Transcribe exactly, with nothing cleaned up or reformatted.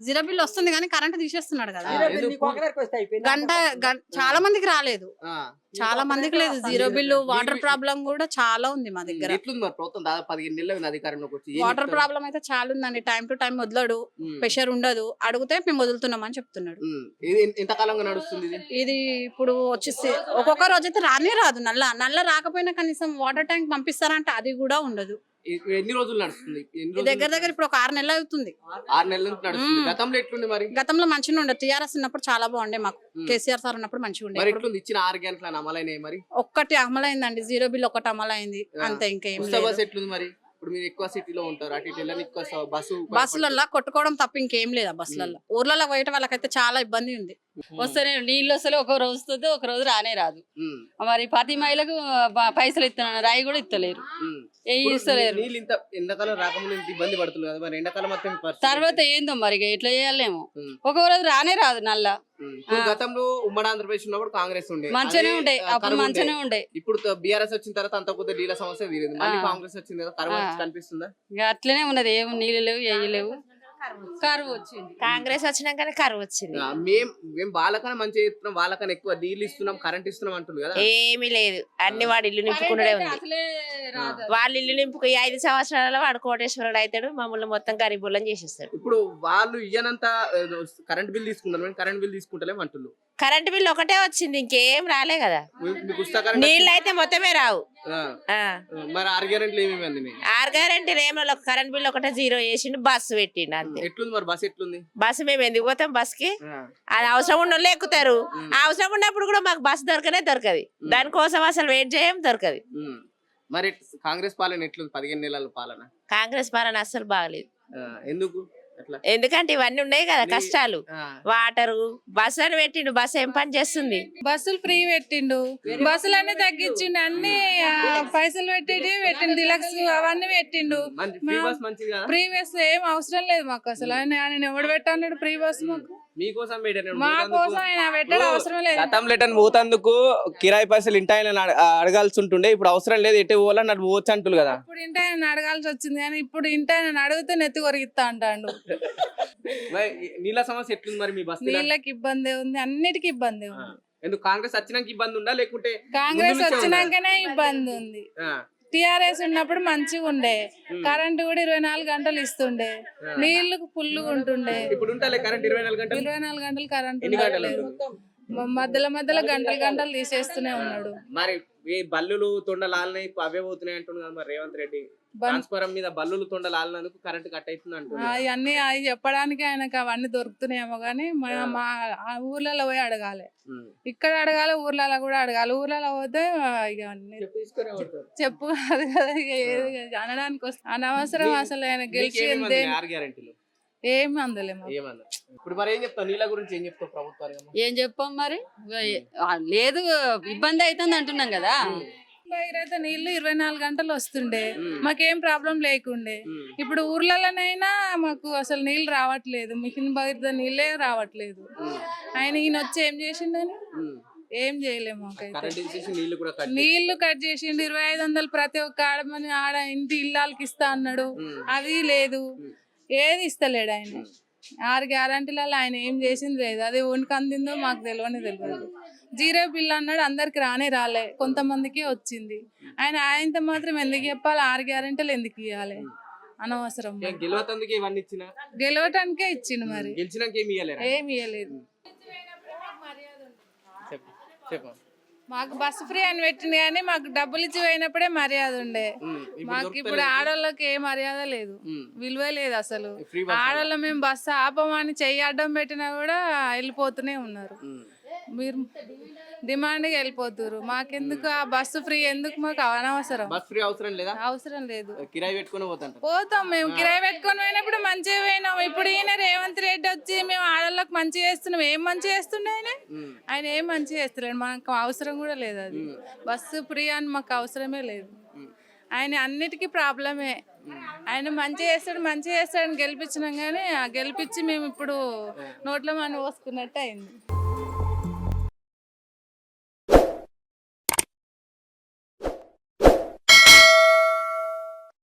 Zero bill వస్తుంది కానీ current తీసేస్తున్నాడు కదా. గంట చాలా మందికి రాలేదు, చాలా మందికి లేదు జీరో బిల్లు. వాటర్ ప్రాబ్లం కూడా చాలా ఉంది మా దగ్గర. వాటర్ ప్రాబ్లం అయితే చాలా ఉందండి. టైం టు టైం వదలడు, ప్రెషర్ ఉండదు. అడిగితే మేము వదులుతున్నామని చెప్తున్నాడు. ఇది ఇప్పుడు వచ్చేసి ఒక్కొక్క రోజు అయితే రానే రాదు. నల్ల నల్ల రాకపోయినా కనీసం వాటర్ ట్యాంక్ పంపిస్తారంటే అది కూడా ఉండదు. ఎన్ని రోజులు నడుస్తుంది? దగ్గర దగ్గర ఇప్పుడు ఒక ఆరు నెలలు అవుతుంది. ఆరు నెలల నుంచి నడుస్తుంది. గతంలో ఎట్లుంది మరి? గతంలో మంచిగా ఉండే. టీఆర్ఎస్ ఉన్నప్పుడు చాలా బాగుండే మాకు. కేసీఆర్ సార్ ఉన్నప్పుడు మంచిగా ఉండే. ఇచ్చిన ఆరు గంటల అమలైనాయి మరి? ఒక్కటి అమలైందండి, జీరో బిల్ ఒకటి అమలైంది అంతే. ఇంకేం బస్ ఎట్లుంది మరి? ఇప్పుడు మీరు ఎక్కువ సిటీలో ఉంటారు, అటు ఇటు ఎక్కువ బస్సు బస్సులలో కొట్టుకోవడం తప్ప ఇంకేం లేదా బస్సులలో. ఊర్లలో పోయే వాళ్ళకైతే చాలా ఇబ్బంది ఉంది. వస్తేనే నీళ్ళు వస్తలే, ఒక రోజు వస్తుంది, ఒక రోజు రానే రాదు. మరి ప్రతి మహిళకు పైసలు ఇస్తున్నారు, రాయి కూడా ఇస్తలేరు, ఏ ఇస్తలేరు. ఎండాకాలం రాకముందు ఇబ్బంది పడుతుంది కదా, మరి ఎండాకాలం మొత్తం తర్వాత ఏందో మరి ఎట్లా చేయాలేమో. ఒక రోజు రానే రాదు నల్ల. గతంలో ఉమ్మడి ఆంధ్రప్రదేశ్ ఉన్నప్పుడు కాంగ్రెస్ ఉండే, మంచిగానే ఉండే, అప్పుడు మంచిగానే ఉండే. ఇప్పుడు బీఆర్ఎస్ వచ్చిన తర్వాత అంత కొద్ది నీళ్ళ సమస్య తీరింది. మళ్ళీ కాంగ్రెస్ వచ్చింది కదా, కరువు కనిపిస్తుందా? అట్లనే ఉన్నది, ఏం నీళ్ళు లేవు, ఏవి లేవు. కరువు వచ్చింది. కాంగ్రెస్ వచ్చినాకనే కరువు వచ్చింది. మేము మేము వాళ్ళకన్నా మంచిగా ఇస్తున్నాం, వాళ్ళకన్నా ఎక్కువ నీళ్ళు ఇస్తున్నాం, కరెంట్ ఇస్తున్నాం అంటుంది కదా. ఏమీ లేదు, అన్ని వాడు ఇల్లు నింపుకునే ఉంది. వాళ్ళు ఇల్లు నింపుకు ఐదు సంవత్సరాల వాడు కోటేశ్వరుడు అవుతాడు, మమ్మల్ని మొత్తం గరీబులను చేసేస్తాడు. ఇప్పుడు వాళ్ళు ఇయ్యనంత కరెంట్ బిల్ తీసుకుంటారు, కరెంట్ బిల్ తీసుకుంటలేము అంటున్నారు. కరెంట్ బిల్ ఒకటే వచ్చింది, ఇంకేం రాలే కదా. నీళ్ళు అయితే మొత్తమే రావు. మరి ఆరు గ్యారెంటీలు ఏమేమి? ఆరు గ్యారెంటీలు ఏమో, కరెంట్ బిల్ ఒకటే జీరో చేసిండు, బస్సు పెట్టిండు అంతే. ఎట్లుంది మరి బస్? ఎట్లుంది బస్సు? మేము ఎందుకు పోతాం బస్ కి? అది అవసరం ఉన్న వాళ్ళు ఎక్కుతారు. అవసరం ఉన్నప్పుడు కూడా మాకు బస్సు దొరకనే దొరకదు. దానికోసం అసలు వెయిట్ చేయం, దొరకదు. మరి కాంగ్రెస్ పాలన ఎట్లుంది? పదిహేను నెలల పాలన కాంగ్రెస్ పాలన అసలు బాగలేదు. ఎందుకు? ఎందుకంటే ఇవన్నీ ఉన్నాయి కదా కష్టాలు. వాటరు, బస్సు అని పెట్టిండు, బస్సు ఏం పని చేస్తుంది? బస్సులు ఫ్రీ పెట్టిండు, బస్సులన్నీ తగ్గించిండు, అన్ని పైసలు పెట్టేటి పెట్టిండు, డిలక్స్ అవన్నీ పెట్టిండు. ఫ్రీ బస్ ఏం అవసరం లేదు మాకు అసలు. ఆయన ఎవడు పెట్టాడు ఫ్రీ బస్? మాకు మా కోసం ఆయన పెట్టడం అవసరం లేదు. గతంలో ఎటని పోతందుకు కిరాయి పైసలు ఇంటి ఆయన అడగాల్సి ఉంటుండే, ఇప్పుడు అవసరం లేదు, ఎటు పోవాలని అటు పోవచ్చు అంటున్నారు కదా. ఇప్పుడు ఇంటి ఆయన అడగాల్సి వచ్చింది, కానీ ఇప్పుడు ఇంటి ఆయన అడిగితే నెత్తి కొరిగిస్తా అంటాడు. నీళ్ళ సమస్య ఎట్లుంది మరి మీ బస్? నీళ్ళకి ఇబ్బంది ఉంది, అన్నిటికీ ఇబ్బంది ఉంది. ఎందుకు? కాంగ్రెస్ వచ్చినాక ఇబ్బంది ఉందా లేకుంటే కాంగ్రెస్ వచ్చినాకనే ఇబ్బంది ఉంది. టిఆర్ఎస్ ఉన్నప్పుడు మంచిగా ఉండే, కరెంట్ కూడా ఇరవై నాలుగు గంటలు ఇస్తుండే, నీళ్లు ఫుల్గా ఉంటుండే. ఇరవై నాలుగు గంటలు కరెంట్ మధ్యలో మధ్యలో గంటలు గంటలు తీసేస్తూనే ఉన్నాడు. మరి బల్లులు తొండలాలనాయి అవే పోతున్నాయి అంటున్నారు కదా మరి రేవంత్ రెడ్డి. ట్రాన్స్ఫారం మీద బల్లులు తొండలాలనందుకు కరెంట్ కట్ అవుతుంది అంటున్నారు. అవన్నీ అవి చెప్పడానికి ఆయనకు అవన్నీ దొరుకుతున్నాయేమో గానీ మా ఊర్లలో పోయి అడగాలి, ఇక్కడ అడగాలి, ఊర్లలో కూడా అడగాలి. ఊర్లలో పోతే ఇక చెప్పు కాదు కదా, ఇక ఏది అనడానికి వస్తుంది. అనవసరం అసలు ఆయన గెలిచి ఏమి అందలేము. ఇప్పుడు మరి ఏం చెప్తావు నీళ్ళ గురించి? ఏం చెప్తావు ప్రభుత్వానికి? ఏం చెప్పాం మరి, లేదు ఇబ్బంది అవుతుంది అంటున్నాం కదా. అయితే నీళ్లు ఇరవై నాలుగు గంటలు వస్తుండే, మాకేం ప్రాబ్లం లేకుండే. ఇప్పుడు ఊర్లలోనైనా మాకు అసలు నీళ్ళు రావట్లేదు, మిషన్ బయట నీళ్ళే రావట్లేదు. ఆయన ఈయన వచ్చి ఏం చేసిండని ఏం చేయలేము. నీళ్లు కట్ చేసిండు, ఇరవై ఐదు వందలు ప్రతి ఒక్క ఆడమని ఆడ ఇంటి ఇళ్ళకి ఇస్తా అన్నాడు, అది లేదు, ఏది ఇస్తలేడు ఆయన. ఆరు గ్యారంటీలలో ఆయన ఏం చేసింది లేదు, అది ఓనికి అందిందో మాకు తెలియని తెలియదు. జీరో బిల్ అన్నాడు, అందరికి రానే రాలే, కొంతమందికి వచ్చింది. ఆయన ఆయనతో మాత్రం ఎందుకు చెప్పాలి? ఆరు గ్యారంటీలు ఎందుకు ఇవ్వాలి? అనవసరం. గెలవటానికే ఇచ్చిండు, మరి ఏమి ఇవ్వలేదు. మాకు బస్సు ఫ్రీ అని పెట్టింది కానీ మాకు డబ్బులు ఇచ్చి పోయినప్పుడే మర్యాద ఉండే. మాకు ఇప్పుడు ఆడోళ్ళకి ఏ మర్యాద లేదు, విలువ లేదు అసలు. ఆడోళ్ళ మేము బస్సు ఆపమని చెయ్యి అడ్డం పెట్టినా కూడా వెళ్ళిపోతూనే ఉన్నారు. మీరు డిమాండ్ గా వెళ్ళిపోతారు. మాకెందుకు ఆ బస్సు ఫ్రీ? ఎందుకు? మాకు అనవసరం. అవసరం లేదు. పోతాం మేము, కిరాయి పెట్టుకొని పోయినప్పుడు మంచిగా పోయినాం. ఇప్పుడు ఈయన రేవంత్ రెడ్డి వచ్చి మేము ఆడళ్ళకి మంచి చేస్తున్నాం. ఏం మంచి చేస్తుండే ఆయన? ఆయన ఏం మంచి చేస్తలేడు, మనకు అవసరం కూడా లేదు. అది బస్సు ఫ్రీ అని మాకు అవసరమే లేదు. ఆయన అన్నిటికీ ప్రాబ్లమే. ఆయన మంచి చేస్తాడు మంచి చేస్తాడని గెలిపించినాం కానీ గెలిపించి మేము ఇప్పుడు నోట్లో మనం పోసుకున్నట్టు అయింది.